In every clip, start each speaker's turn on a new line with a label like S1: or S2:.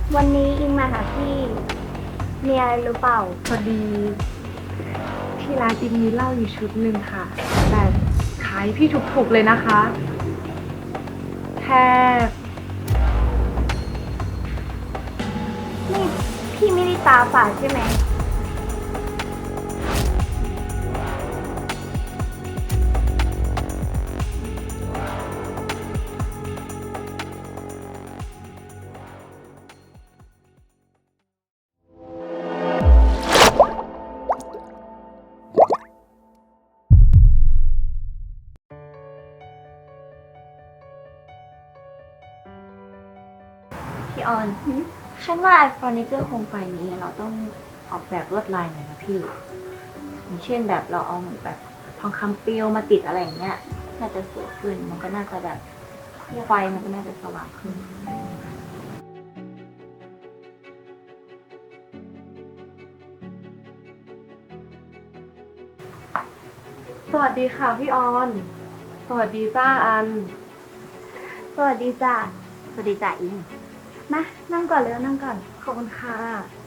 S1: วันนี้อิงมาหาพี่มีอะไรหรือเปล่า
S2: พอดีที่ร้านอิงมีเหล้าอยู่ชุดหนึ่งค่ะแต่ขายพี่ถูกๆเลยนะคะแค่
S1: นี่พี่ไม่ได้ตาฝาดใช่ไหม
S3: พี่ออนฉันว่าไอเฟอร์นิเจอร์โคมไฟนี้เราต้องออกแบบลวดลายหน่อยนะพี่อย่างเช่นแบบเราเอาแบบทองคำเปลวมาติดอะไรอย่างเงี้ยน่าจะสวยขึ้นมันก็น่าจะแบบไฟมันก็น่าจะสว่างขึ้น
S2: สวัสดีค่ะพี่ออนสวัสดีจ้าอัน
S1: สวัสดีจ้ะ
S3: สวัสดีจ่าอิง
S1: มานั่งก่อนเลยนั่งก่อน
S2: ขอบคุณค่ะ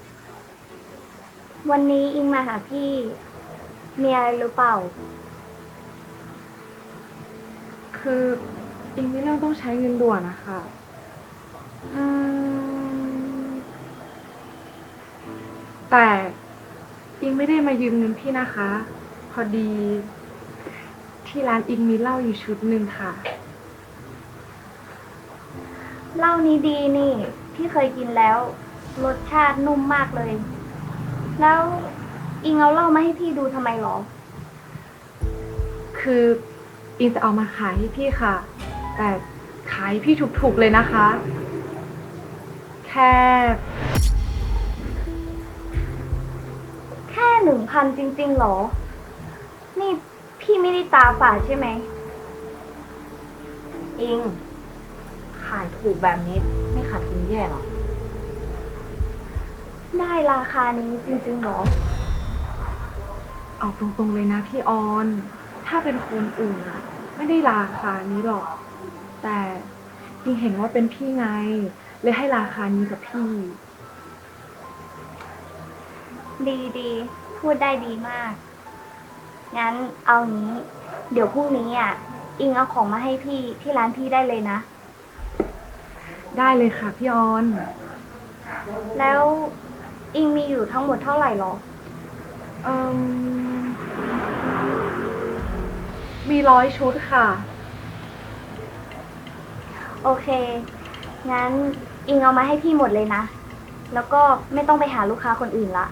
S1: วันนี้อิงมาหาพี่มีอะไรหรือเปล่า
S2: คืออิงมีเรื่องต้องใช้เงินด่วนนะคะ
S1: อืม
S2: แต่อิงไม่ได้มายืมเงินพี่นะคะพอดีที่ร้านอิงมีเหล้าอยู่ชุดหนึ่งค่ะ
S1: เหล้านี้ดีนี่พี่เคยกินแล้วรสชาตินุ่มมากเลย แล้วอิงเอาเหล้ามาให้พี่ดูทำไมหรอ
S2: คืออิงจะเอามาขายให้พี่ค่ะแต่ขายพี่ถูกๆเลยนะคะแค่
S1: 1,000จริงๆหรอ นี่พี่ไม่ได้ตาฝาดใช่ไหม
S3: อิงขายถูกแบบนี้ไม่ขาดทุนแย่หรอ
S1: ได้ราคานี้จริงๆหรอ
S2: เอาตรงๆเลยนะพี่ออน ถ้าเป็นคนอื่นอะไม่ได้ราคานี้หรอก แต่ยิ่งเห็นว่าเป็นพี่ไง เลยให้ราคานี้กับพี่
S1: ดีพูดได้ดีมาก งั้นเอางี้ เดี๋ยวพรุ่งนี้อิงเอาของมาให้พี่ที่ร้านพี่ได้เลยนะ
S2: ได้เลยค่ะพี่ออน
S1: แล้วอิงมีอยู่ทั้งหมดเท่าไหร่หรอ
S2: เอ่มมี100 ชุดค่ะ
S1: โอเค งั้นอิงเอามาให้พี่หมดเลยนะ แล้วก็ไม่ต้องไปหาลูกค้าคนอื่นละ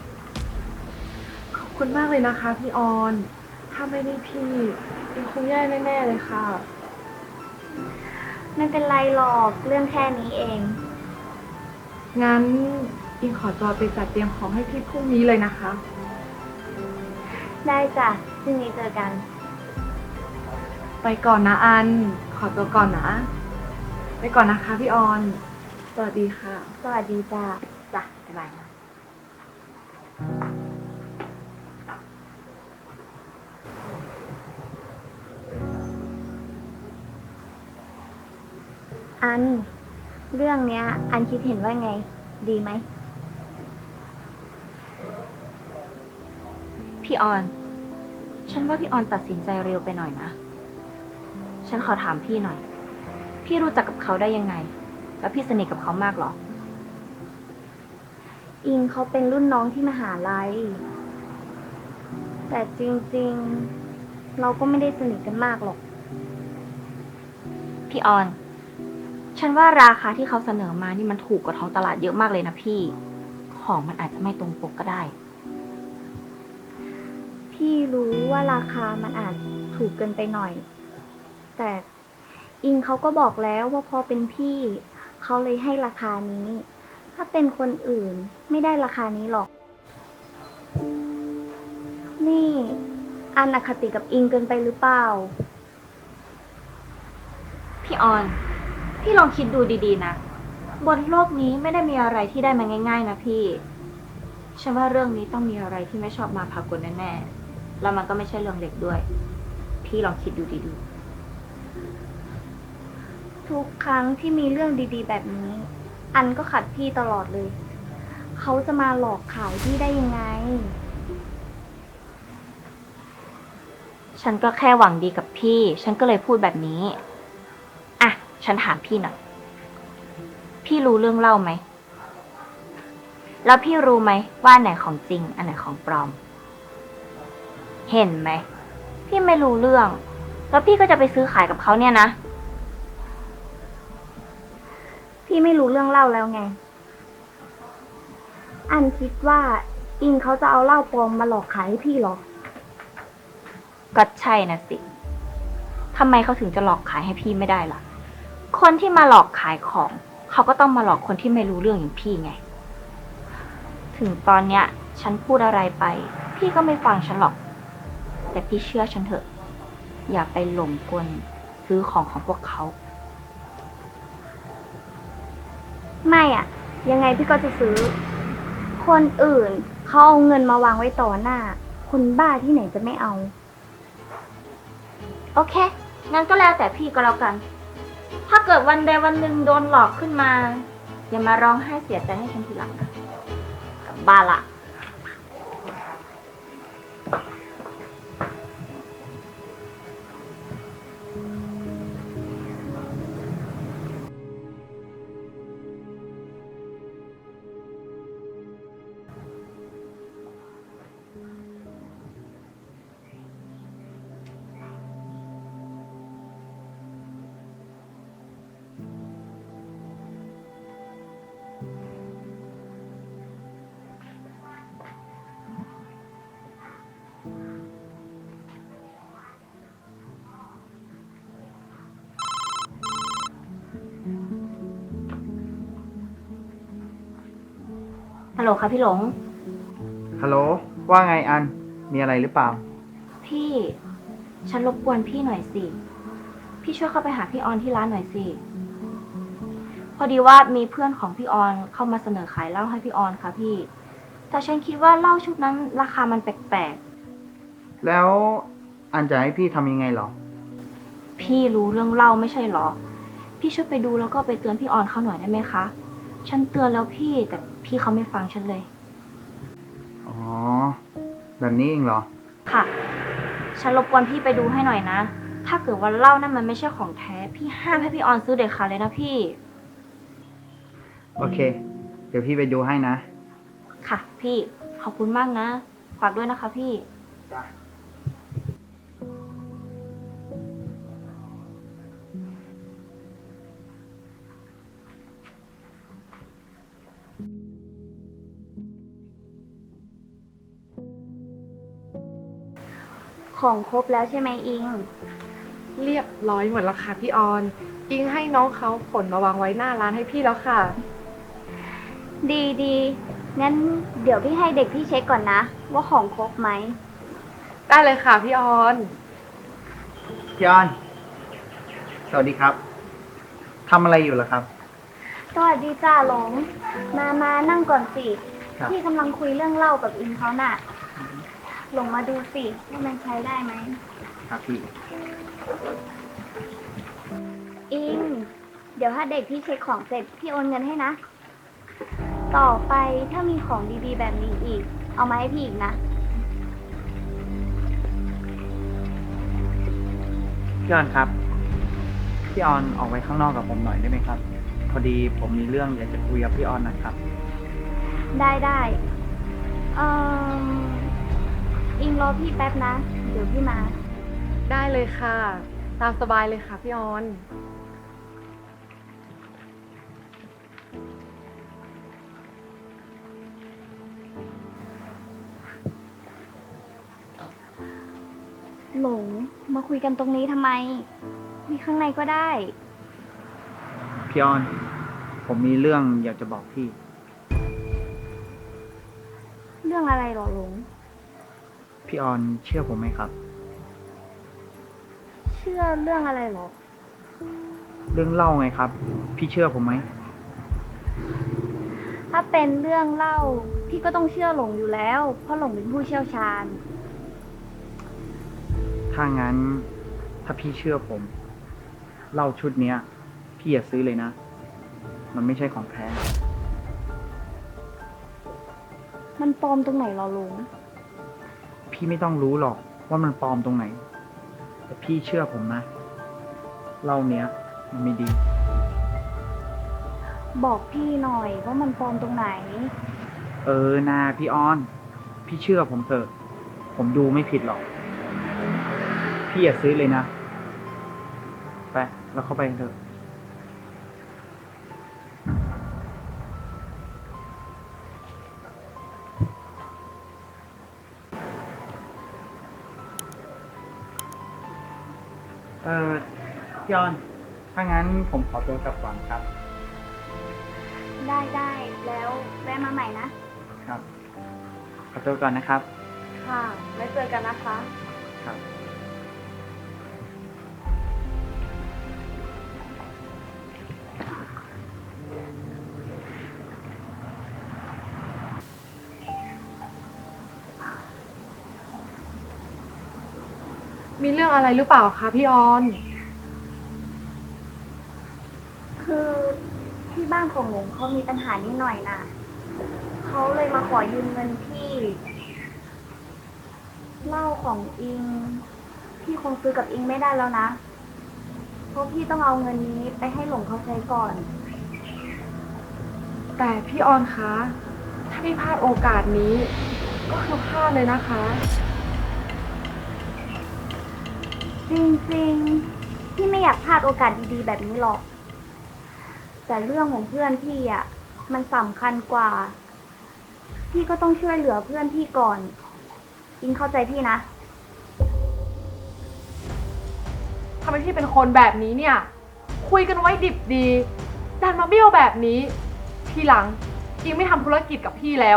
S2: ขอบคุณมากเลยนะคะพี่ออน ถ้าไม่ได้พี่อิงคงแย่แน่ๆเลยค่ะ
S1: ไม่เป็นไรหรอกเรื่องแค่นี้เอง
S2: งั้นอิงขอตัวไปจัดเตรียมของให้พี่พรุ่งนี้เลยนะคะ
S1: ได้จ้ะพรุ่งนี้เจอกัน
S2: ไปก่อนนะอัน ขอตัวก่อนนะ ไปก่อนนะคะพี่ออน สวัสดีค่ะ
S1: สวัสดีจ้ะ
S3: จ้ะบ๊ายบายนะ
S1: อัน เรื่องเนี้ย อันคิดเห็นว่าไง ดีไหม
S3: พี่ออน ฉันว่าพี่ออนตัดสินใจเร็วไปหน่อยนะ ฉันขอถามพี่หน่อย พี่รู้จักกับเขาได้ยังไง แล้วพี่สนิทกับเขามากเหรอ
S1: อิงเขาเป็นรุ่นน้องที่มหาลัย แต่จริงๆ เราก็ไม่ได้สนิทกันมากหรอก
S3: พี่ออน ฉันว่าราคาที่เขาเสนอมานี่มันถูกกว่าท้องตลาดเยอะมากเลยนะพี่ ของมันอาจจะไม่ตรงปกก็ได้
S1: พี่รู้ว่าราคามันอาจถูกเกินไปหน่อย แต่อิงเขาก็บอกแล้วว่าพอเป็นพี่ เขาเลยให้ราคานี้ ถ้าเป็นคนอื่นไม่ได้ราคานี้หรอก นี่อันอคติกับอิงเกินไปหรือเปล่า
S3: พี่ออน พี่ลองคิดดูดีๆนะ บนโลกนี้ไม่ได้มีอะไรที่ได้มาง่ายๆนะพี่ ฉันว่าเรื่องนี้ต้องมีอะไรที่ไม่ชอบมาพากลแน่ๆ แล้วมันก็ไม่ใช่เรื่องเล็กด้วย พี่ลองคิดดูดี
S1: ทุกครั้งที่มีเรื่องดีๆแบบนี้อันก็ขัดพี่ตลอดเลย เขาจะมาหลอกขายพี่ได้ยังไง
S3: ฉันก็แค่หวังดีกับพี่ ฉันก็เลยพูดแบบนี้อ่ะฉันถามพี่หน่อยพี่รู้เรื่องเล่าไหมแล้วพี่รู้ไหมว่าอันไหนของจริงอันไหนของปลอม เห็นไหมพี่ไม่รู้เรื่อง แล้วพี่ก็จะไปซื้อขายกับเขาเนี่ยนะ
S1: พี่ไม่รู้เรื่องเหล้าแล้วไง อันคิดว่าอิงเขาจะเอาเหล้าปลอมมาหลอกขายให้พี่เหรอ
S3: ก็ใช่นะสิทำไมเขาถึงจะหลอกขายให้พี่ไม่ได้ล่ะ คนที่มาหลอกขายของ เขาก็ต้องมาหลอกคนที่ไม่รู้เรื่องอย่างพี่ไง ถึงตอนเนี้ย ฉันพูดอะไรไป พี่ก็ไม่ฟังฉันหรอก แต่พี่เชื่อฉันเถอะ อย่าไปหลงกลซื้อของของพวกเขา
S1: ไม่อะยังไงพี่ก็จะซื้อ คนอื่นเขาเอาเงินมาวางไว้ต่อหน้า คนบ้าที่ไหนจะไม่เอา
S3: โอเค งั้นก็แล้วแต่พี่ก็แล้วกัน ถ้าเกิดวันใดวันหนึ่งโดนหลอกขึ้นมา อย่ามาร้องไห้เสียใจให้ฉันทีหลังนะกลับบ้านละ ฮัลโหลค่ะพี่หลง
S4: ฮัลโหล ว่าไงอัน มีอะไรหรือเปล่า
S3: พี่ ฉันรบกวนพี่หน่อยสิ พี่ช่วยเข้าไปหาพี่ออนที่ร้านหน่อยสิ พอดีว่ามีเพื่อนของพี่ออนเข้ามาเสนอขายเหล้าให้พี่ออนค่ะพี่ แต่ฉันคิดว่าเหล้าชุดนั้นราคามันแปลก
S4: แล้วอันจะให้พี่ทำยังไงหรอ
S3: ๆ พี่รู้เรื่องเหล้าไม่ใช่หรอ พี่ช่วยไปดูแล้วก็ไปเตือนพี่ออนเขาหน่อยได้ไหมคะ ฉันเตือนแล้วพี่แต่พี่เขาไม่ฟังฉันเลย
S4: อ๋อ แบบนี้เองเหรอ
S3: ค่ะ ฉันรบกวนพี่ไปดูให้หน่อยนะ ถ้าเกิดว่าเหล้านั่นมันไม่ใช่ของแท้ พี่ห้ามให้พี่ออนซื้อเด็ดขาดเลยนะพี่
S4: โอเค เดี๋ยวพี่ไปดูให้นะ
S3: ค่ะ พี่ ขอบคุณมากนะ ฝากด้วยนะคะพี่
S1: ของครบแล้วใช่ไหมอิง
S2: เรียบร้อยหมดแล้วค่ะพี่ออน อิงให้น้องเขาขนมาวางไว้หน้าร้านให้พี่แล้วค่ะ
S1: ดีดีงั้นเดี๋ยวพี่ให้เด็กพี่เช็คก่อนนะ ว่าของครบไหม
S2: ได้เลยค่ะพี่ออน
S4: พี่ออน สวัสดีครับ ทำอะไรอยู่ล่ะครับ
S1: สวัสดีจ้าหลง มานั่งก่อนสิ
S4: ครับ
S1: พี่กำลังคุยเรื่องเหล้ากับอิงเขาน่ะ หลงมาดูสิว่ามันใช้ได้ไหม
S4: ครับพี่
S1: อิง เดี๋ยวถ้าเด็กพี่เช็คของเสร็จพี่โอนเงินให้นะ ต่อไปถ้ามีของดีๆแบบนี้อีก เอามาให้พี่อีกนะ
S4: พี่ออนครับ พี่ออนออกไปข้างนอกกับผมหน่อยได้ไหมครับ พอดีผมมีเรื่องอยากจะคุยกับพี่ออนหนะครับ
S1: ได้เอ่ออิงรอพี่แป๊บนะ เดี๋ยวพี่มา
S2: ได้เลยค่ะ ตามสบายเลยค่ะพี่ออน
S1: หลงมาคุยกันตรงนี้ทำไม มีข้างในก็ได้
S4: พี่ออน ผมมีเรื่องอยากจะบอกพี่
S1: เรื่องอะไรหรอหลง
S4: พี่ออนเชื่อผมไหมครับ
S1: เชื่อเรื่องอะไรหรอ
S4: เรื่องเล่าไงครับ พี่เชื่อผมไหม
S1: ถ้าเป็นเรื่องเล่า พี่ก็ต้องเชื่อหลงอยู่แล้ว เพราะหลงเป็นผู้เชี่ยวชาญ
S4: ถ้างั้น ถ้าพี่เชื่อผมเหล้าชุดเนี้ย พี่อย่าซื้อเลยนะมันไม่ใช่ของแท้
S1: มันปลอมตรงไหนเหรอลุง
S4: พี่ไม่ต้องรู้หรอกว่ามันปลอมตรงไหน แต่พี่เชื่อผมนะเหล้าเนี้ย มันไม่ดี
S1: บอกพี่หน่อยว่ามันปลอมตรงไหน
S4: นาพี่ออน พี่เชื่อผมเถอะ ผมดูไม่ผิดหรอก พี่อย่าซื้อเลยนะ ไปเราเข้าไปกันเถอะ พี่ออน ถ้างั้นผมขอตัวกลับก่อนครับ
S1: ได้แล้วแวะมาใหม่นะ
S4: ครับ ขอตัวก่อนนะครับ
S2: ค่ะไว้เจอกันนะคะ
S4: ครับ
S2: มีเรื่องอะไรหรือเปล่าคะพี่ออน
S1: คือที่บ้านของหลงเขามีปัญหานิดหน่อยน่ะ เขาเลยมาขอยืมเงินพี่เหล้าของอิง พี่คงซื้อกับอิงไม่ได้แล้วนะ เพราะพี่ต้องเอาเงินนี้ไปให้หลงเขาใช้ก่อน
S2: แต่พี่ออนคะ ถ้าพี่พลาดโอกาสนี้ ก็คือพลาดเลยนะคะ
S1: จริงๆ พี่ไม่อยากพลาดโอกาสดีๆ แบบนี้หรอก แต่เรื่องของเพื่อนพี่อ่ะ มันสำคัญกว่า พี่ก็ต้องช่วยเหลือเพื่อนพี่ก่อน อิงเข้าใจพี่นะ
S2: ทำไมพี่เป็นคนแบบนี้เนี่ย คุยกันไว้ดิบดีดันมาเบี้ยวแบบนี้ ทีหลังอิงไม่ทำธุรกิจกับพี่แล้ว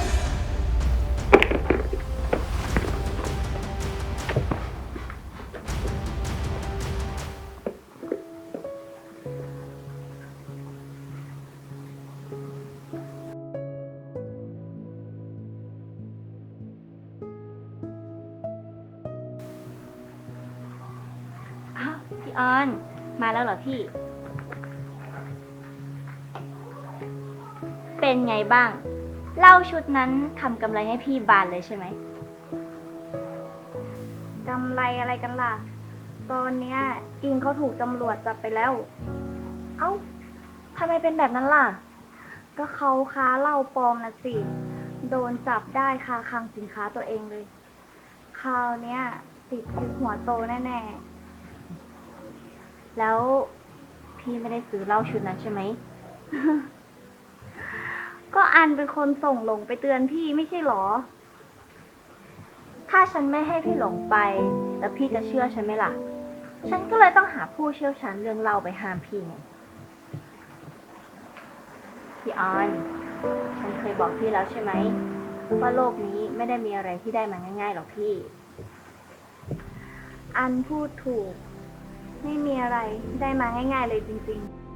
S3: อ้าวพี่ออน มาแล้วเหรอพี่ เป็นไงบ้างเหล้าชุดนั้นทำกำไรให้พี่บานเลยใช่ไหม
S1: กำไรอะไรกันล่ะ ตอนเนี้ยอิงเขาถูกตำรวจจับไปแล้ว
S3: เอ้าทำไมเป็นแบบนั้นล่ะ
S1: ก็เขาค้าเหล้าปลอมนะสิ โดนจับได้คาคลังสินค้าตัวเองเลย คราวเนี้ยติดคุกหัวโตแน่
S3: แล้วพี่ไม่ได้ซื้อเหล้าชุดนั้นใช่ไหม
S1: ๆ ก็อันเป็นคนส่งหลงไปเตือนพี่ไม่ใช่หรอ
S3: ถ้าฉันไม่ให้พี่หลงไป แล้วพี่จะเชื่อฉันไหมล่ะ ฉันก็เลยต้องหาผู้เชี่ยวชาญเรื่องเหล้าไปห้ามพี่ไงพี่ออน ฉันเคยบอกพี่แล้วใช่ไหมว่าโลกนี้ไม่ได้มีอะไรที่ได้มาง่ายๆหรอกพี่
S1: อันพูดถูก ไม่มีอะไรได้มาง่ายๆเลยจริงๆ